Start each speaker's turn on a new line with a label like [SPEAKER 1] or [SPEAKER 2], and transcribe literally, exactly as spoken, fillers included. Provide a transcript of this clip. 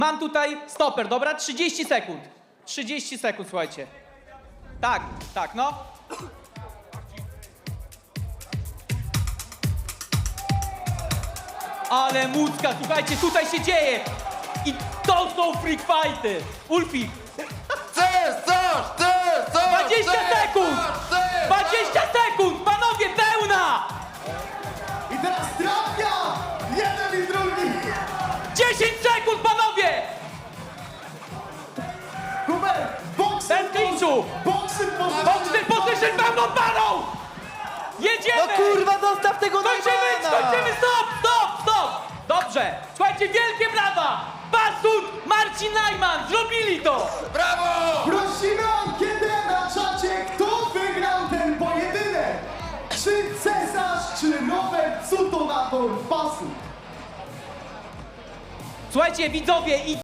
[SPEAKER 1] Mam tutaj stoper, dobra? trzydzieści sekund. trzydzieści sekund, słuchajcie. Tak, tak, no. Ale mucka, słuchajcie, tutaj się dzieje. I to są freak fighty. Ulfi,
[SPEAKER 2] Chcesz coś, chcesz coś!
[SPEAKER 1] dwadzieścia
[SPEAKER 2] chcesz
[SPEAKER 1] sekund!
[SPEAKER 2] coś, chcesz
[SPEAKER 1] dwadzieścia sekund! Panowie, pełna!
[SPEAKER 3] I teraz trafia! Jeden i drugi!
[SPEAKER 1] dziesięć sekund, panowie!
[SPEAKER 3] Hubert, boksy
[SPEAKER 1] Bez klinczu!
[SPEAKER 3] Boksy
[SPEAKER 1] Boxer position pełną parą! Jedziemy!
[SPEAKER 4] No kurwa, zostaw tego
[SPEAKER 1] Skończymy,
[SPEAKER 4] Najmana!
[SPEAKER 1] skończymy, stop, stop, stop! Dobrze, słuchajcie, wielkie brawa! Basut, Marcin Najman, zrobili to!
[SPEAKER 2] Brawo!
[SPEAKER 3] Prosimy o ankietę na czacie, kto wygrał ten pojedynek? Czy Cesarz, czy Robert Cutonator Basut?
[SPEAKER 1] Słuchajcie, widzowie, i